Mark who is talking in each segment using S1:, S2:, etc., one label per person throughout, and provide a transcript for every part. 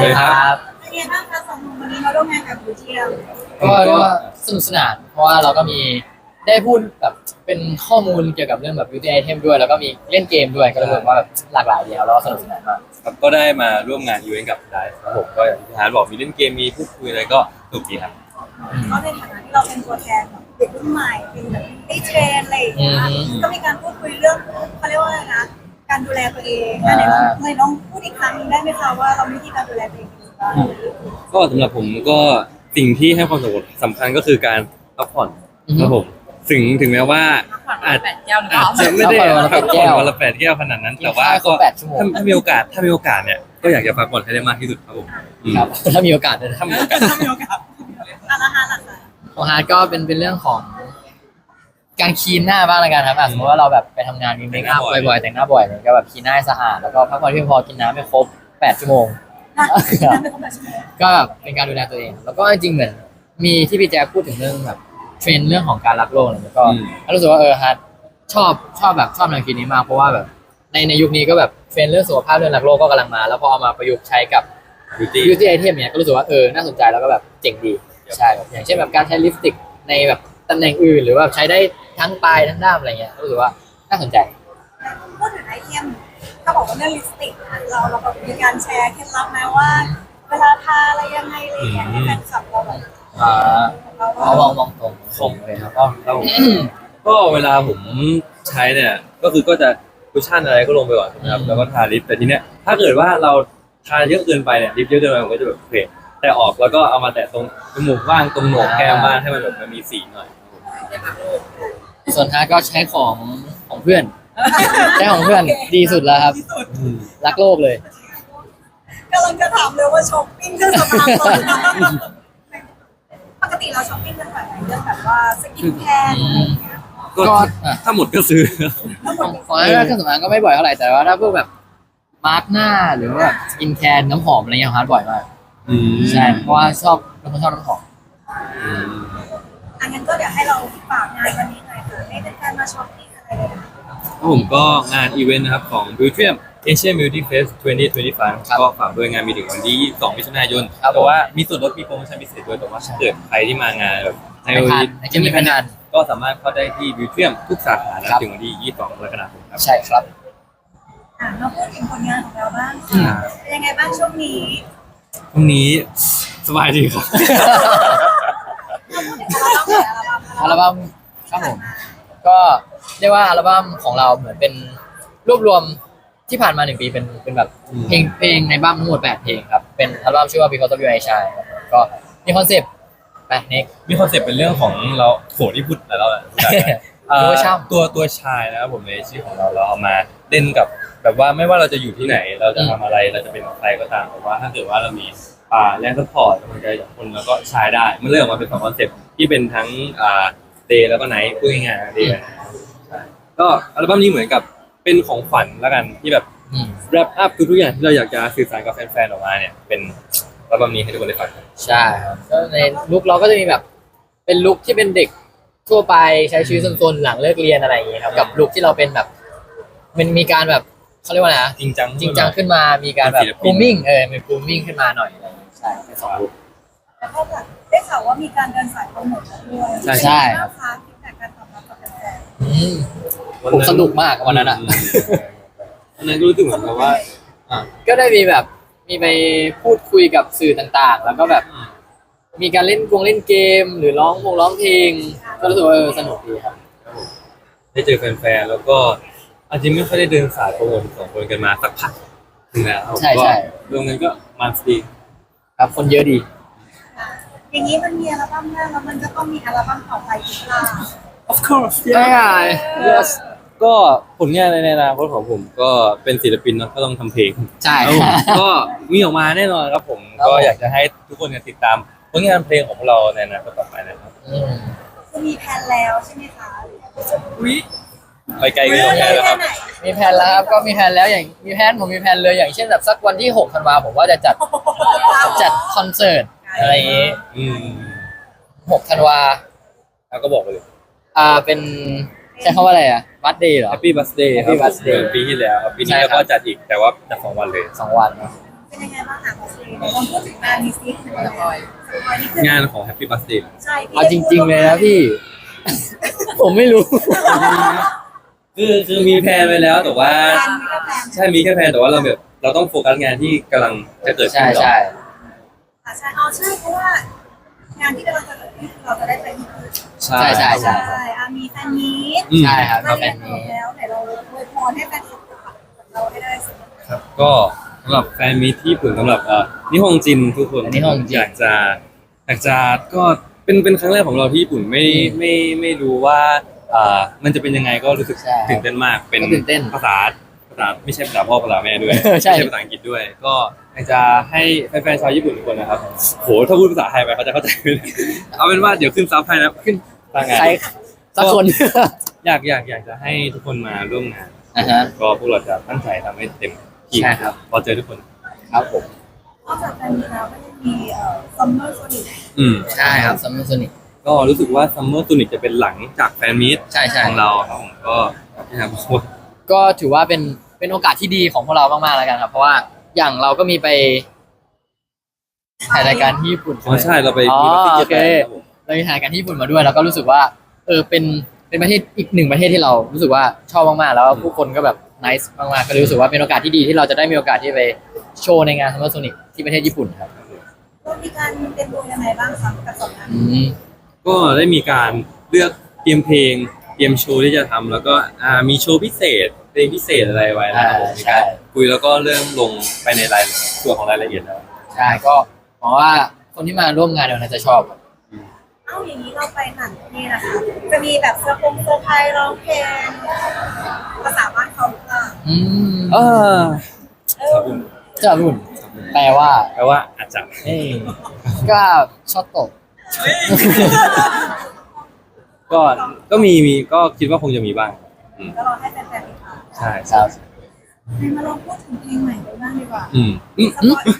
S1: ครับ
S2: เป็นไงบ้างคะสองหนุ่มวันนี้มาร่วมงานกับบูเทียม
S1: ก็เรียกว่าสนุกสนานเพราะว่าเราก็มีได้พูดแบบเป็นข้อมูลเกี่ยวกับเรื่องแบบ beauty item ด้วยแล้วก็มีเล่นเกมด้วยก็เลยแบบว่าแบบหลากหลายเดียวแล้วก็สนุกสนานมาก
S3: ครับก็ได้มาร่วมงานอีเวนต์กับไดฟ์ครับผมก็อย่างที่ฮาร์ดบอกมีเล่นเกมมีพูดคุยอะไรก็สนุกดีครับ
S2: ก็ในฐานะที่เราเป็นตัวแทนแบบเด็กรุ่นใหม่เป็นแบบได้เทรนอะไรอย่างเงี้ยก็มีการพูดคุยเรื่องเขาเรียกว่าอะไรนะการดูแลตัวเองอันไหนน้องพูดอีกครั้งได้ไหมคะว่าเรามีวิธีการดูแลตัวเองยังไงบ้าง
S3: ก็สำหรับผมก็สิ่งที่ให้ความสำคัญก็คือการพักผ่อนครับผมถึงแม้ว่าอาจ
S4: 8 แก้วหรือเป
S3: อา
S4: ล่า
S3: จจะไม่ได้
S1: พักผ่อนวันละ
S3: พักผ่อนวันละ8 แก้วขนาดนั้น แต่ว่า
S1: กินข้าวคร
S3: ก็
S1: บ8 ชั่วโมง
S3: ถ้ามีโอกาสเนี่ยก็อยากจะพักผ่อนให้ได้มากที่สุดครับผม
S1: ครับถ้ามีโอกาสนะ
S3: ถ้ามีโอกาส
S2: ถ้ามีโอกาสอาละฮะล่ะค่ะ
S1: ของฮาร์ดก็เป็นเรื่องของการคลีนหน้าบ้างละกันครับสมมติว่าเราแบบไปทำงานมีเมคอัพบ่อยๆแต่งหน้าบ่อยเนี่ยก็แบบคลีนหน้าให้สะอาดแล้วก็พักผ่อนเพียงพอกินน้ำให้ครบ8 ชั่วโมง
S2: นั่นเป็นคำแบบชั่วโมง
S1: ก็แบบเป็นการดูแลตัวเอง แล้วก็จริงๆเหมือนมีที่พี่แจ๊คพูดถึงเรื่องแบบเทรนด์เรื่องของการรักโลกอะไรแล้วก็รู้สึกว่าฮาร์ดชอบแนวคิดนี้มากเพราะว่าแบบในยุคนี้ก็แบบเทรนด์เรื่องสุขภาพเรื่องรักโลกก็กำลังมาแล้วพอเอามาประยุกต์ใช้กับ beauty item เนี่ยก็รู้สึกว่าน่าสนใจแล้วก็แบบเจ๋งดีใช่แบบอย่างเช่นแบบการใช้ลิปสติกในแบบตำแหน่งอื่นหรือว่าใช้ได้ทั้งปลายทั้งด้ามอะไรเงี้ยรู้สึกว่าน่าสนใจ
S2: พูดถึงไอเทมถ้าบอกว่าเรื่องลิปสติกเราแบบมีการแชร์เคล็ดลับไหมว่า เวลาทาอะไรยังไงอะไรอย่างเงี้ยให้แฟนคลับเราแบบ
S1: เอามองตรงผมเลยครับ
S3: ครับผมก็เวลาผมใช้เนี่ยก็จะคุชชั่นอะไรก็ลงไปก่อนนะครับแล้วก็ทาลิปแต่ทีเนี้ยถ้าเกิดว่าเราทาเยอะเกินไปเนี่ยลิปเยอะเกินไปมันก็จะแบบเฟดแต่ออกแล้วก็เอามาแตะตรงจมูกบ้างตรงโหนกแก้มบ้างให้มันแบบมันมีสีหน่อย
S1: ส่วนฮาร์ดก็ใช้ของเพื่อนใช้ของเพื่อนดีสุดแล้วครับรักโลกเลย
S2: กำลังจะถามเลยว่าช้อปปิ้งเครื่องสำอางตอนไหนปกติเราช้อปปิ้งกันแบบไหนเรื่องแบบว่าสกินแคร์อะไรอย่างเงี้ย
S3: ก็ถ้าหมดก็ซื้อ
S1: ของฮาร์ดเครื่องสำอางก็ไม่บ่อยเท่าไหร่แต่ว่าถ้าพวกแบบมาร์กหน้าหรือว่าแบบสกินแคร์น้ำหอมอะไรเงี้ยฮาร์ดบ่อยมากใช่เพราะว่าเป็นคนชอบน้ำหอม
S2: อันนั้นก็เดี๋ยวให้เราฝากงานวันนี้หน่อยค่ะให้แฟนๆมาช้อปปิ้งอะไรเลยนะ
S3: ผมก็งานอีเวนต์นะครับของ Beauty Asian Beauty Fest 2025 ก็ฝากด้วยงานมีถึงวันที่22 มิถุนายนแต่ว่ามีส่วนลดมีโปรโมชั่นพิเศษด้วยแต่ว่าถ้าเกิดใครที่มางานแบบในวันนี้
S1: จะมีพนัน
S3: ก็สามารถเข้าได้ที่ Beauty ทุกสาขาถึงวันที่22 กรกฎาคมครับ
S1: ใช่ครับ
S2: มาพูดถึงผลงานของเราบ้างค่ะเป็นยังไงบ้างช่วงนี้
S3: พรุ่งนี้สบายดีครับ
S2: เราพูดถึงอัลบั้ม
S1: ครับผมก็เรียกว่าอัลบั้มของเราเหมือนเป็นรวบรวมที่ผ่านมา1 ปีเป็นแบบเพลงในบั้มทั้งหมด8 เพลงครับเป็นอัลบั้มชื่อว่า Because of You I Shine ครับผมก็มีคอนเซปต์ไปเน็ก
S3: มีคอนเซ็ปต์เป็นเรื่องของเราโหที่พูดแต่เราแหละ ตัวชายนะครับผมในชื่อของเราเอามาเล่นกับแบบว่าไม่ว่าเราจะอยู่ที่ไหนเราจะทำอะไรเราจะเป็นใครก็ตามแต่ว่าถ้าเกิดว่าเรามีแรงซัพพอร์ตกำลังใจจากคนแล้วก็ชายได้มันเริ่มออกมาเป็น2 คอนเซ็ปต์ที่เป็นทั้งเดย์แล้วก็ไนท์พูดง่ายๆเดย์ก็อัลบั้มนี้เหมือนกับเป็นของขวัญแล้วกันที่แบบแรปอัพทุกอย่างที่เราอยากจะสื่อสารกับแฟนๆออกมาเนี่ยเป็นอัลบั้มนี้ให้ทุกคนได้ฟัง
S1: ใช่ครับก็ในลุคเราก็จะมีแบบเป็นลุคที่เป็นเด็กทั่วไปใช้ชีวิตซนๆหลังเลิกเรียนอะไรอย่างเงี้ยครับกับลุคที่เราเป็นแบบมันมีการแบบเขาเรียกว่าไงนะ
S3: จริงจัง
S1: ขึ้นมามีการแบบกรูมมิ่งเป็นกรูมมิ่งขึ้นมาหน่อยอะไรอย่างเงี้ยใช่เป็น2 ลุค
S2: แล้วก็แบบได้ข่าวว่ามีการเดินสายโปรโมทด้วย
S1: ใช่
S2: เป็นยังไงบ้างคะฟีดแบ็กการตอบรับจากแฟน
S1: ผมสนุกมากวันนั้นอ่ะ
S3: วันนั้นก็รู้สึกเหมือนกับว่า
S1: ก็ได้มีแบบมีไปพูดคุยกับสื่อต่างๆ แล้วก็แบบมีการเล่นเกมหรือร้องเพลงก็รู้สึกว่าสนุกดีครับ
S3: ได้เจอแฟนๆแล้วก็อาจจะไม่ค่อยได้เดินสายโปรโมท2 คนกันมาสักพักนึงแล้ว
S1: ใช่
S3: ก็รวมกันก็มันดี
S1: ครับคนเยอะดี
S2: ๆอย่างนี้มันมีอัลบั้มแรกแล้วมันก็ต้องมีอัลบั้มต่อไปอีกล่ะ
S3: of course
S1: ได้ไง
S3: yes ก็ผลงานในอนาคตของผมก็เป็นศิลปินเนาะก็ต้องทำเพลง
S1: ใช่
S3: ครับผมก็มีออกมาแน่นอนครับผม
S1: ครับ
S3: ก็อยากจะให้ทุกคนติดตามผลงานเพลงของพวกเราในอนาคตต่อไปนะครับ
S2: คือมีแผนแล้วใช่ไหมคะ
S3: ไปไกลกันตรงนี้แล้วครับ
S1: มีแผนแล้วครับก็มีแผนแล้วอย่างผมมีแผนเลยอย่างเช่นแบบสักวันที่6 ธันวาผมว่าจะจัดคอนเสิร์ตอะไรอย่างงี้6 ธันวา
S3: แล้วก็บอกไปเลย
S1: เป็นใช้คำว่าอะไรบัตเดย์เหรอ
S3: Happy Birthday ครับ
S1: Happy Birthday
S3: ปีที่แล้วครับปีนี้
S1: ใช่ครับ
S3: เราก็จัดอีกแต่ว่าจัด2 วันเลย
S1: 2 วันเนอะ
S2: เป็นเป็นยังไงบ้างคะของซีรีส์ลองพูดถึงงานนี้ซิสปอยนี่คือง
S3: านของ Happy Birthday
S2: ใช่
S1: เอาจริง ๆ เลยนะพี่ ผมไม่รู้
S3: คือมีแพลนไว้แล้วแต่ว่าใช่มีแค่แพลนแต่ว่าเราแบบเราต้องโฟกัสงานที่กำลังจะเกิดขึ้
S1: ใช่
S3: นก่อน
S1: ใช่
S2: ใช่เอาใช่เพราะว่างานที่กำลังจะเกิดขึ้นเราจะได้ไปที่อื่น
S3: ใช่
S1: ใช่
S2: ใช่มีแฟนมีต
S1: ใช่ครับ
S2: มา
S1: แฟ
S2: เรีย
S1: น
S2: น
S1: นี้
S2: แล้วเดี๋ยวเราอวยพรให้แฟนคลับเราให้ได้สิ
S3: ครับก็สำหรับแฟนมีตที่ญี่ปุ่นสำหรับนิฮงจินทุกคน
S1: นิฮงจิน
S3: อยากจะก็เป็นครั้งแรกของเราที่ญี่ปุ่นไม่รู้ว่ามันจะเป็นยังไงก็รู้สึก
S1: ใช่
S3: ตื่นเต้นมากเป็น
S1: ก็ตื่นเต้น
S3: ภาษาไม่ใช่ภาษาพ่อภาษาแม่ด้วย
S1: ใช่
S3: ไม่ใช่ภาษาอังกฤษด้วย ก็อยากจะให้แฟนๆชาวญี่ปุ่นทุกคนนะครับโหถ้าพูดภาษาไทยไปเขาจะเข้าใจไม่ได้เอาเป็นว่าเดี๋ยวขึ้นซับให้นะขึ้นทางงาน
S1: ใครสักคน
S3: อยากจะให้ทุกคนมาร่วมงาน
S1: อ่าฮะ
S3: ก็พวกเราจะตั้งใจทำให้เต็มที่
S1: ใช่ครับ
S3: พอเจอทุกคน
S1: ครับผม
S2: นอกจากแฟนมีตแล้วก็ยังมีซัมเมอร์โซนิก
S1: ใช่ครับซัมเมอร์โซนิก
S3: ก็รู้สึกว่าซัมเมอร์ตูนิกจะเป็นหลังจากแฟนมีต
S1: ใช่ใช่
S3: ของเราครับผมก็นะครับ
S1: ก็ถือว่าเป็นโอกาสที่ดีของพวกเรามากๆแล้วกันครับ เพราะว่าอย่างเราก็มีไปถ่ายรายการที่ญี่ปุ่น
S3: อ๋อใช่เราไป
S1: อ๋อ
S3: มีประเทศ
S1: โอ
S3: ญี่
S1: เค
S3: ปุ่นครับผม
S1: เราไปถ่ายรายการที่ญี่ปุ่นมาด้วยแล้วก็รู้สึกว่าเป็นประเทศอีกหนึ่งประเทศที่เรารู้สึกว่าชอบมากๆแล้วผู้คนก็แบบนิสมากๆก็เลยรู้สึกว่าเป็นโอกาสที่ดีที่เราจะได้มีโอกาสที่ไปโชว์ในงานซัมเมอร์โซนิกที่ประเทศญี่ปุ่นครับ
S2: ก็มีการเตรียมตัวยังไงบ้างคะกับสองงาน
S1: อืม
S3: ก็ได้มีการเลือกเตรียมเพลงเตรียมโชว์ที่จะทำแล้วก็มีโชว์พิเศษเพลงพิเศษอะไรไว้นะครับผมมีการคุยแล้วก็เริ่มลงไปในรายส่วนของรายละเอียดแล้ว
S1: ใช่ก็หวังว่าคนที่มาร่วมงานเดี๋ยวน่าจะชอบครับ
S2: เอ้าอย่างนี้เราไปหนังนี่นะคะจะมีแบบเซอร์ไพรส์ร้องเพลงภาษาบ้านเขาหรือเปล่า
S1: อืม
S3: เออ
S2: เออ
S1: จะรุ่นแปลว่า
S3: แปลว่าอาจจะ
S1: เอ้ยก็ชอบตก
S3: ก็มีก็คิดว่าคงจะมีบ้างอืม
S2: ก็รอให้แฟนๆติดตาม
S3: ใช่
S1: ครับ
S2: ให้มาลองพูดถึงเพลงใหม่กันบ้างดีกว่า
S3: อืม
S2: สปอย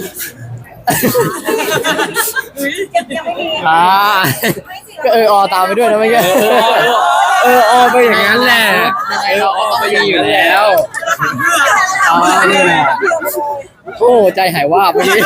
S2: ยังไม่มี
S1: อ่า
S2: ไม่สิ
S1: ก็ตามไปด้วยนะไม่ใช่ไปอย่างนั้นแหละต้องไปอยู่แล้ว อ๋อนี่แหละ โอ้ใจหายว่าบเมื่อกี้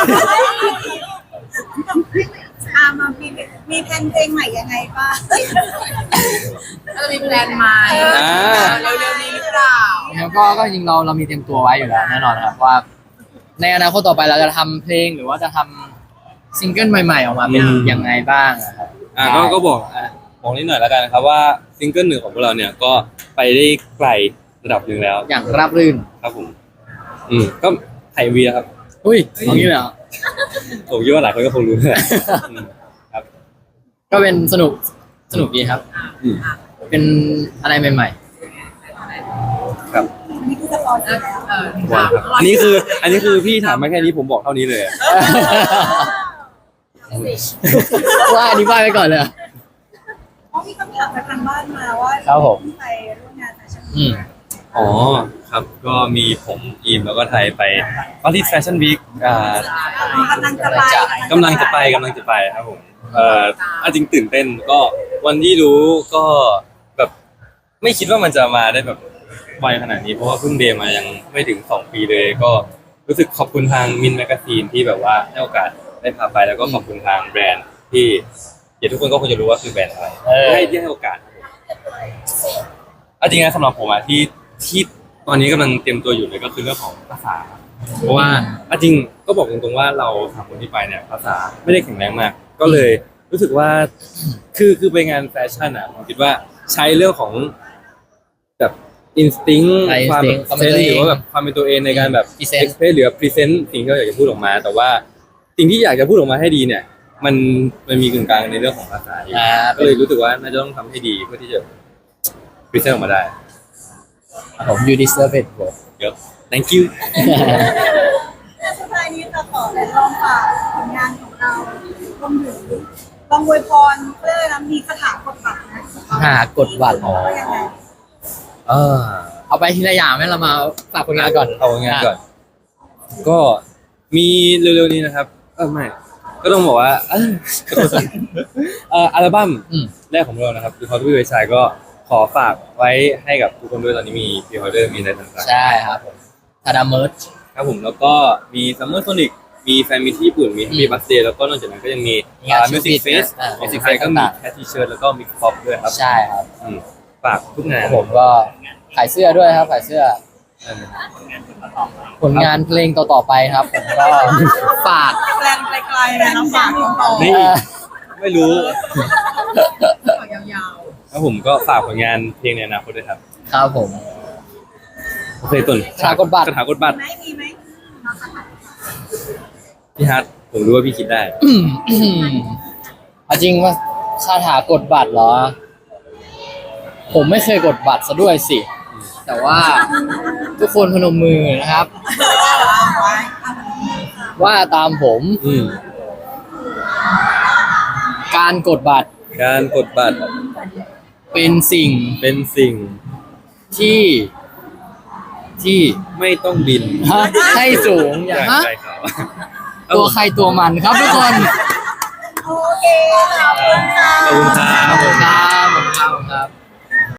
S2: มามีแพลนเพลงใหม่ยังไงบ้าง
S4: จะมีแพลนไหมเร็วๆนี้หรือเปล่า
S1: แล้วก็จริงเรามีเตรียมตัวไว้อยู่แล้วแน่นอนครับว่า ในอนาคตต่อไปเราจะทำเพลงหรือว่าจะทำซิงเกิลใหม่ๆออกมาเป็นยังไงบ้างอะครับ
S3: ก็บอกนิดหน่อยแล้วกันนะครับว่าซิงเกิลหนึ่งของพวกเราเนี่ยก็ไปได้ไกลระดับหนึ่งแล้ว
S1: อย่างราบรื่น
S3: ครับผมก็ไทยวีครับ
S1: อุ้ยเอางี้เลยเหรอ
S3: ผมคิดว่าหลายคนก็คงรู้แหละครับ
S1: ก็เป็นสนุกดีครับ
S3: อืม
S1: เป็นอะไรใหม่
S3: ครับ
S2: นี่คือสปอยล์แล้ว
S3: ว้าวครับอันนี้คือพี่ถามมาแค่นี้ผมบอกเท่านี้เลยอะ
S1: ๆ ว่าอันนี้ว่าไปก่อนเลยอะ
S2: เพราะมีคำถามจากทางบ้านมาว่า
S1: ครับผม
S2: ไปร่วมงานแฟชั่น
S1: อืม
S3: อ๋อครับก็มีผมอีมแล้วก็ไทยไปปารีสแฟชั่นวีค
S2: กำลังจะไป
S3: กำลังจะไปครับผมจริงตื่นเต้นก็วันที่รู้ก็แบบไม่คิดว่ามันจะมาได้แบบไวขนาดนี้เพราะว่าเพิ่งเดย์มายังไม่ถึง2 ปีเลย ก็รู้สึกขอบคุณทางมินแมกซีนที่แบบว่าให้โอกาสได้พาไปแล้วก็ขอบคุณทางแบรนด์ที่เดี๋ยวทุกคนก็คงจะรู้ว่าคือแบรนด์อะไรให้โอกาสจริงๆนะสำหรับผมที่ตอนนี้กำลังเตรียมตัวอยู่เลยก็คือเรื่องของภาษา เพราะว่าจริงก็บอกตรงๆว่าเราสามคนที่ไปเนี่ยภาษาไม่ได้แข็งแรงมาก ก็เลยรู้สึกว่าคือไปงานแฟชั่นผมคิดว่าใช้เรื่องของแบบอินสติ้งความแบบเซนหรือว่าแบบความเป็นตัวเองในการแบบเอ็กเพรสหรือพรีเซนต์สิ่งที่เราอยากจะพูดออกมา แต่ว่าสิ่งที่อยากจะพูดออกมาให้ดีเนี่ย มันมีกึ่งกลางในเรื่องของภาษาอยู่ก็เลยรู้สึกว่าน่าจะต้องทำให้ดีเพื่อที่จะพรีเซนต์ออกมาได้
S1: ผม you deserve it bro
S3: เยอะ thank you
S2: สุดท้ายนี้เราขอลองฝากผลงานของเรารวมถึงลองอวยพรเพื่อนะมีคาถากดบัตรนะ
S1: หากดบัตร
S2: ว่ายังไง
S1: เอาไปทีละอย่างไหมเรามาฝากผลงานก่อน
S3: เอางานก่อน ก็มีเร็วๆนี้นะครับไม่ก็ต้องบอกว่าอัลบั้ม
S1: อืม
S3: แรกของเรานะครับคือ How to Be West Side ก็ขอฝากไว้ให้กับทุกคนด้วยตอนนี้มีพรีออเดอร์มีอะไรต่างๆ
S1: ใช่ครับผมทาดาเมิร์ช
S3: ครับผมแล้วก็มีซัมเมอร์โซนิกมีแฟนมีที่ญี่ปุ่นมี Happy Birthday แล้วก็นอกจากนั้นก็ยังมีมิวสิกเฟสมิวสิกเฟสก็มีแคททีเชิร์ตแล้วก็มิกซ์พ็อปด้วยครับ
S1: ใช่ครับ
S3: ฝากทุกงาน
S1: ผมก็ขายเสื้อด้วยครับขายเสื้อผลงานเพลงต่อๆไปครับผมก็ฝาก
S4: แปลนไกลๆนะน้องฝากต่อ
S3: นี่ไม่รู้
S4: ฝากยาว
S3: แล้วผมก็ฝากผลงานเพลงในอนาคตด้วยครับ
S1: ครับผม
S3: โอเคตุน
S1: คาถากดบัตร
S3: คาถากดบัตร
S2: ไม่มีไหม
S3: พี่ฮัทผมรู้ว่าพี่คิดได้
S1: เอาจริงว่าคาถากดบัตรเหรอ ผมไม่เคยกดบัตรซะด้วยสิ แต่ว่าทุกคนพนมมือนะครับ ว่าตามผม การกดบัตร
S3: การกดบัตร
S1: เป็นสิ่ง
S3: เป็นสิ่ง
S1: ที่
S3: ไม่ต้องบิน
S1: ให้สูงอย่าง
S3: ใจเขา
S1: ตัวใครตัวมันครับทุกคน
S2: โอเคขอบคุณค่ะ
S3: ขอบคุณครับ
S1: ขอบคุณครับ